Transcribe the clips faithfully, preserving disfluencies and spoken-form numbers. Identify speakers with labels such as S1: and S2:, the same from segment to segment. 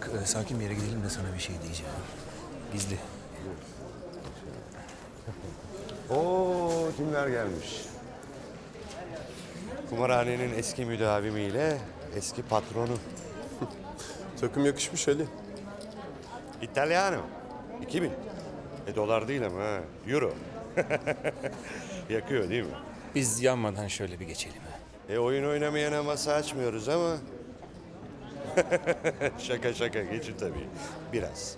S1: Bak e, sakin bir yere gidelim de sana bir şey diyeceğim. Gizli.
S2: Oo, kimler gelmiş? Kumarhanenin eski müdavimiyle eski patronu.
S3: Takım yakışmış Ali.
S2: İtalyano. iki bin. E dolar değil ama ha. Euro. Yakıyor değil mi?
S1: Biz yanmadan şöyle bir geçelim. ha.
S2: E oyun oynamayana masa açmıyoruz ama. Şaka şaka geçin tabii. Biraz.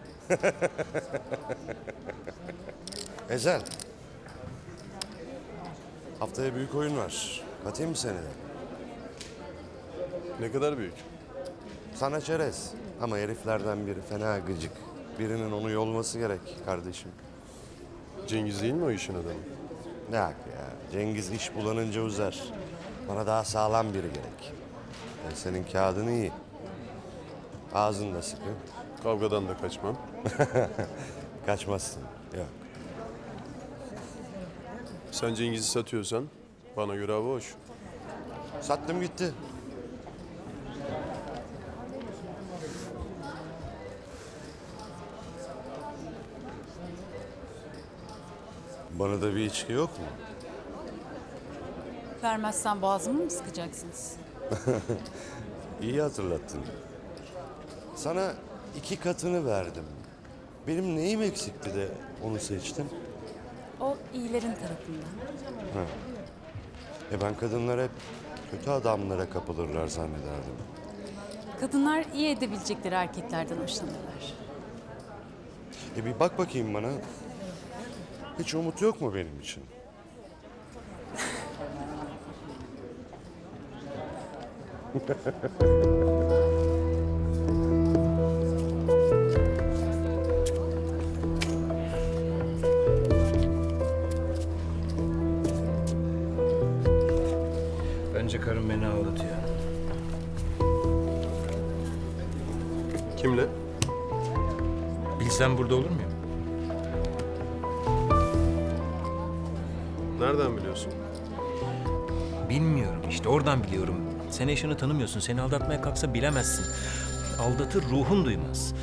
S2: Ezel. Haftaya büyük oyun var. Katayım mı seni de?
S3: Ne kadar büyük.
S2: Sana çerez. Ama heriflerden biri fena gıcık. Birinin onu yolması gerek kardeşim.
S3: Cengiz değil mi o işin adamı?
S2: Ne hak ya. Cengiz iş bulanınca uzar. Bana daha sağlam biri gerek. Ben senin kağıdın iyi. Ağzın da sıkı.
S3: Kavgadan da kaçmam.
S2: Kaçmazsın. Yok.
S3: Sen Cengiz'i satıyorsan bana göre hava hoş.
S2: Sattım gitti. Bana da bir içki yok mu?
S4: Vermezsen boğazımı mı sıkacaksınız?
S2: İyi hatırlattın. Sana iki katını verdim. Benim neyim eksikti de onu seçtim?
S4: O iyilerin tarafından.
S2: E ben kadınlar hep kötü adamlara kapılırlar zannederdim.
S4: Kadınlar iyi edebilecekleri erkeklerden hoşlanırlar.
S2: E bir bak bakayım bana. Hiç umut yok mu benim için?
S1: Bence karım beni ağlatıyor.
S3: Kimle?
S1: Bilsem burada olur muyum?
S3: Nereden biliyorsun?
S1: Bilmiyorum işte oradan biliyorum. Sen eşini tanımıyorsun. Seni aldatmaya kalksa bilemezsin. Aldatır ruhun duymaz.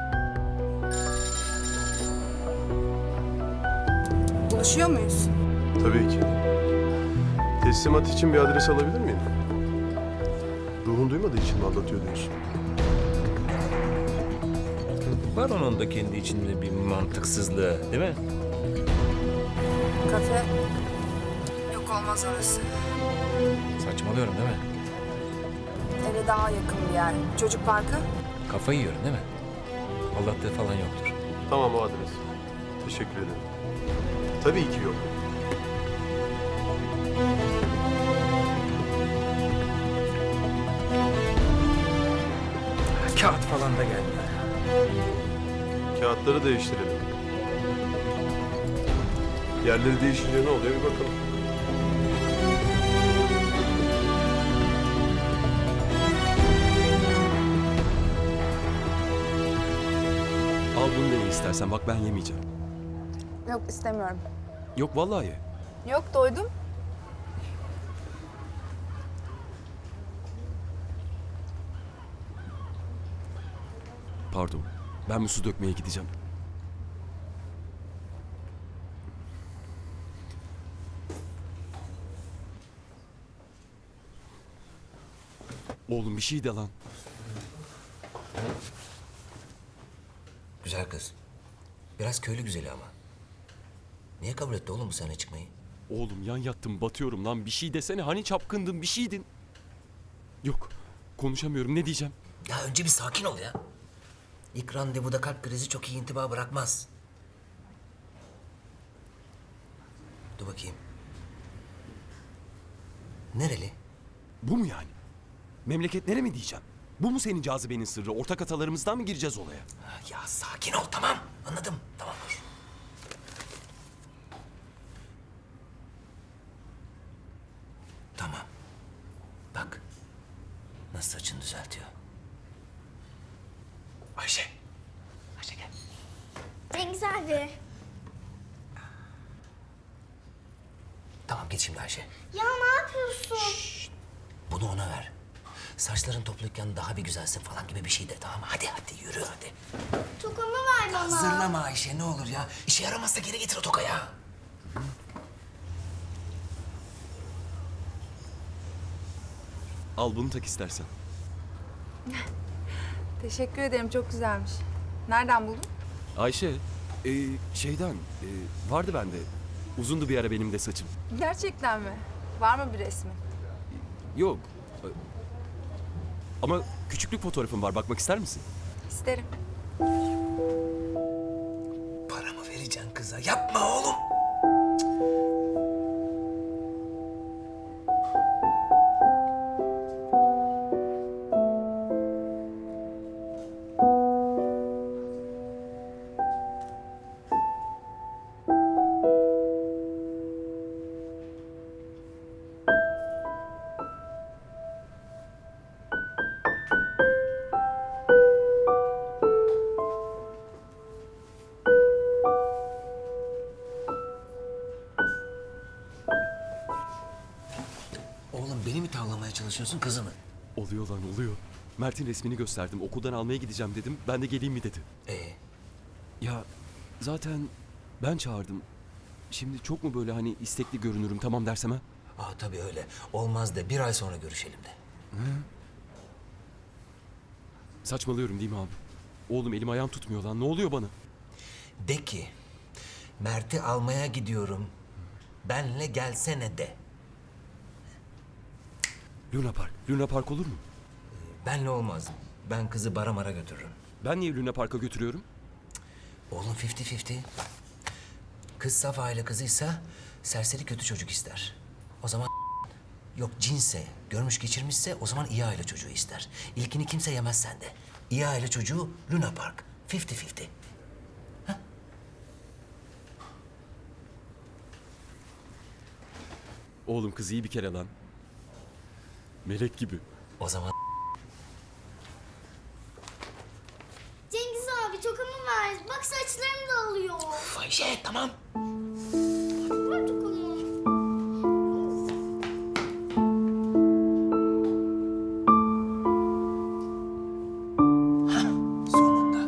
S5: Buluşuyor muyuz?
S3: Tabii ki. Teslimat için bir adres alabilir miyim? Ruhun duymadığı için mi aldatıyor diyorsun?
S1: Var onun da kendi içinde bir mantıksızlığı, değil mi?
S5: Kafe. Yok olmaz orası.
S1: Saçmalıyorum değil mi?
S5: Eve daha yakın bir yer. Çocuk parkı.
S1: Kafayı yiyorum değil mi? Aldattığı falan yoktur.
S3: Tamam, o adres. Teşekkür ederim. Tabii ki yok.
S1: Kağıt falan da geldi.
S3: Kağıtları değiştirelim. Yerleri değişince ne oluyor bir bakalım.
S6: Al bunu dene istersen. Bak ben yemeyeceğim.
S5: Yok istemiyorum.
S6: Yok vallahi ye.
S5: Yok doydum.
S6: Pardon. Ben bir su dökmeye gideceğim. Oğlum bir şey de lan.
S7: Güzel kız. Biraz köylü güzeli ama. Niye kabul etti oğlum bu sahne çıkmayı?
S6: Oğlum yan yattım batıyorum lan. Bir şey desene. Hani çapkındın bir şeydin. Yok. Konuşamıyorum. Ne diyeceğim?
S7: Ya önce bir sakin ol ya. İlk randevuda kalp krizi çok iyi intiba bırakmaz. Dur bakayım. Nereli?
S6: Bu mu yani? Memleketlere mi diyeceğim? Bu mu senin cazibenin sırrı? Ortak atalarımızdan mı gireceğiz olaya?
S7: Ha, ya sakin ol tamam. Anladım. Tamam dur. Tamam. Bak. Nasıl saçını düzeltiyor. Ayşe. Ayşe gel.
S8: Cengiz abi.
S7: Tamam git şimdi Ayşe.
S8: Ya ne yapıyorsun?
S7: Bunu ona ver. saçların topluyken daha bir güzelsin falan gibi bir şey de, tamam mı? Hadi hadi yürü hadi.
S8: Tokamı ver bana.
S7: Hazırlama Ayşe, ne olur ya. İşe yaramazsa geri getir o tokayı.
S6: Al bunu tak istersen.
S5: Teşekkür ederim, çok güzelmiş. Nereden buldun?
S6: Ayşe, e, şeyden e, vardı bende. Uzundu bir ara benim de saçım.
S5: Gerçekten mi? Var mı bir resmi?
S6: Yok. e, Ama küçüklük fotoğrafım var. Bakmak ister misin?
S5: İsterim.
S7: Paramı vereceksin kıza. Yapma oğlum. Oğlum beni mi tavlamaya çalışıyorsun, kızı mı?
S6: Oluyor lan oluyor. Mert'in resmini gösterdim. Okuldan almaya gideceğim dedim. Ben de geleyim mi dedi.
S7: Ee,
S6: Ya zaten ben çağırdım. Şimdi çok mu böyle hani istekli görünürüm tamam dersem ha?
S7: aa tabii öyle. Olmaz de bir ay sonra görüşelim de.
S6: Saçmalıyorum değil mi abi? Oğlum elim ayağım tutmuyor lan. Ne oluyor bana?
S7: De ki Mert'i almaya gidiyorum. Benle gelsene de.
S6: Luna Park. Luna Park olur mu?
S7: Benle olmaz. Ben kızı bara mara götürürüm.
S6: Ben niye Luna Park'a götürüyorum?
S7: Oğlum fifty fifty. Kız saf aile kızıysa serseri kötü çocuk ister. O zaman yok cinse, görmüş geçirmişse o zaman iyi aile çocuğu ister. İlkini kimse yemez sende. İyi aile çocuğu Luna Park. Fifty fifty.
S6: Oğlum kız iyi bir kere lan. Melek gibi.
S7: O zaman
S8: Cengiz abi tokamı ver. Bak saçlarım dağılıyor.
S7: Ayşe tamam.
S8: Ver tokamı.
S7: Sonunda.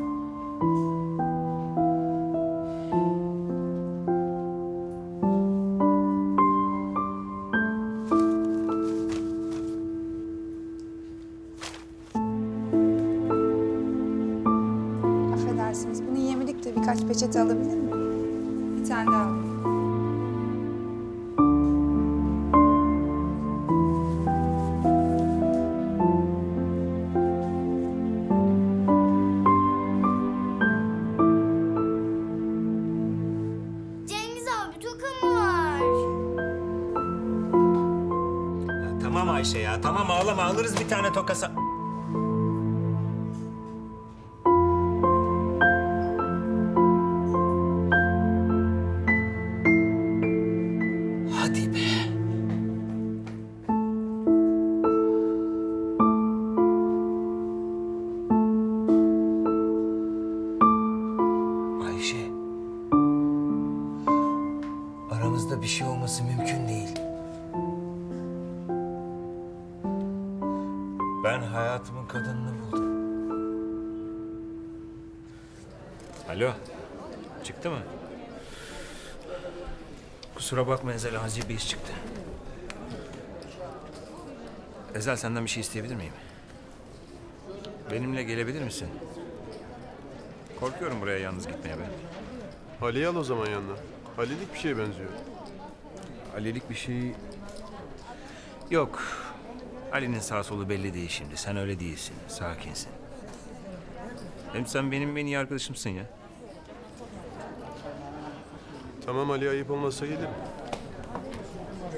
S5: Affedersiniz, bunu yemedik de birkaç peçete alabilir miyim? Bir tane daha alayım.
S8: Cengiz abi tokamı ver.
S1: Ya tamam Ayşe ya tamam ağlama alırız bir tane tokasa.
S7: Hadi be. Ayşe. Aramızda bir şey olması mümkün değil. Ben hayatımın kadınını buldum.
S1: Alo. Çıktı mı? Kusura bakma Ezel, acil bir iş çıktı. Ezel senden bir şey isteyebilir miyim? Benimle gelebilir misin? Korkuyorum buraya yalnız gitmeye ben.
S3: Ali'yi al o zaman yanına. Ali'lik bir şeye benziyor.
S1: Ali'lik bir şey... Yok. Ali'nin sağ solu belli değil şimdi. Sen öyle değilsin. Sakinsin. Hem sen benim en iyi arkadaşımsın ya.
S3: Tamam Ali, ayıp olmazsa gelirim.